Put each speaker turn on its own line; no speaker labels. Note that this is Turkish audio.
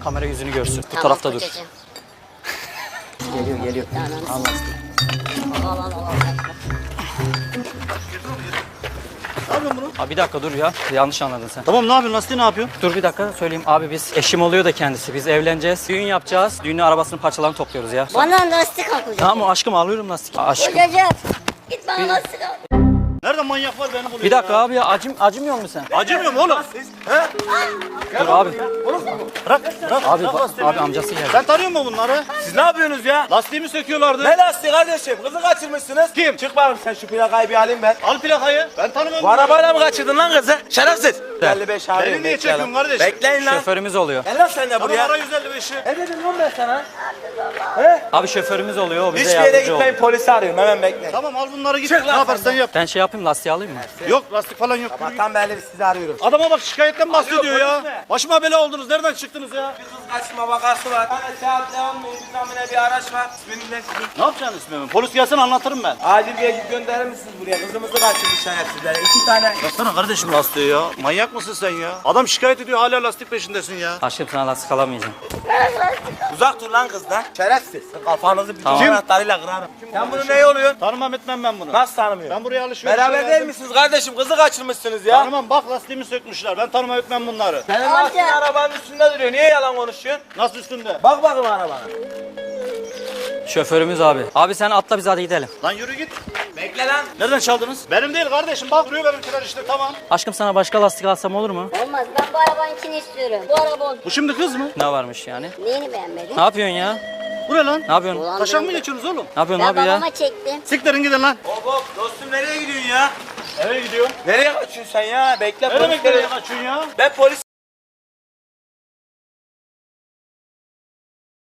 kamera yüzünü görsün. Bu
Tamam,
tarafta dur.
kocacığım.
Geliyor.
Tamam.
Allah.
Al.
Ne yapıyorsun bunu?
Abi bir dakika dur ya. Yanlış anladın sen.
Tamam ne yapıyorsun? Lastiği ne yapıyorsun?
Dur bir dakika söyleyeyim. Abi biz eşim oluyor da kendisi. Biz evleneceğiz. Düğün yapacağız. Düğünün arabasının parçalarını topluyoruz ya.
Bana lastik al kocacığım.
Tamam aşkım alıyorum lastik. Aşkım.
Kocacığım. Git bana lastik al.
Nerede manyak var beni buluyor
Bir dakika
ya?
abi ya acımıyor musun sen?
Acımıyor mu oğlum?
Dur abi.
Bırak.
Abi abi amcası geldi.
Sen tanıyor musun bunları?
Siz ne yapıyorsunuz ya?
Lastiğimi söküyorlardı.
Ne lastiği kardeşim? Kızı kaçırmışsınız.
Kim?
Çık bakayım sen şu plakayı bir alayım ben.
Al plakayı. Ben tanımıyorum.
Bu arabayla mı kaçırdın lan kızı? Şerefsiz. 55 abi.
Beni niye çekiyorsun kardeş?
Bekleyin lan.
Şoförümüz oluyor.
Gel lan sen de
Tamam
buraya.
ara 155'i.
Ne dedim lan ben sana?
Abi şoförümüz oluyor. O bize
Hiçbir yere
yardımcı
gitmeyin,
oluyor.
polisi arıyorum, hemen bekleyin.
Tamam al bunları git.
Çık
Ne
lan
yaparsan
sen de.
yap.
Ben şey yapayım lastiği alayım mı?
Yok lastik falan yok. Yürü git.
Tam belli biz sizi arıyoruz.
Adama bak şikayetten bahsediyor
Arıyor,
ya.
polis mi?
Başıma bela oldunuz. Nereden çıktınız ya?
Bir kız kaçma vakası var. Hani saat devam mı? Bir bir araç var. İsmini ne sizin?
Ne yapacaksın ismimi? Polis gelsin anlatırım ben.
Acil bir ekip gönderir misiniz buraya? Kızımızı kaçırmış şerefsizler. 2 tane.
Baksana kardeşim lastiği ya. Manyak mısın sen ya? Adam şikayet ediyor hala lastik peşindesin ya.
Aşkım sana lastik alamayacağım.
Uzak dur lan kızdan. Şerefsiz. Kafanızı bir
Tamam.
tamam. Anahtarıyla kırarım. Sen bunu ne oluyorsun?
Tanımam etmem ben bunu.
Nasıl tanımıyorsun?
Ben buraya alışveriş
Beraber değil misiniz kardeşim? Kızı kaçırmışsınız ya.
Tanımam bak lastiğimi sökmüşler. Ben tanımam etmem bunları.
Senin
Amca.
lastiğin arabanın üstünde duruyor. Niye yalan konuşuyorsun?
Nasıl üstünde?
Bak bakayım arabana.
Şoförümüz abi. Abi sen atla biz hadi gidelim.
Lan yürü git.
Bekle lan.
Nereden çaldınız? Benim değil kardeşim. Bak duruyor benimkiler işte tamam.
Aşkım sana başka lastik alsam olur mu?
Olmaz, ben bu arabanın içini istiyorum. Bu araba
Bu şimdi kız mı?
Ne varmış yani?
neyini beğenmedin?
Ne yapıyorsun ya?
Bu ne lan?
Ne yapıyorsun?
Ulan
Taşak mı
ben-
geçiyorsunuz oğlum?
Ne yapıyorsun
Ben
abi ya?
babama çektim.
Siktirin gidin lan.
Hop hop dostum nereye gidiyorsun ya?
Nereye gidiyor?
Nereye kaçıyorsun sen ya? Bekle
Nereye
polis
beklemeye
gelir.
kaçıyorsun ya?
Ben polis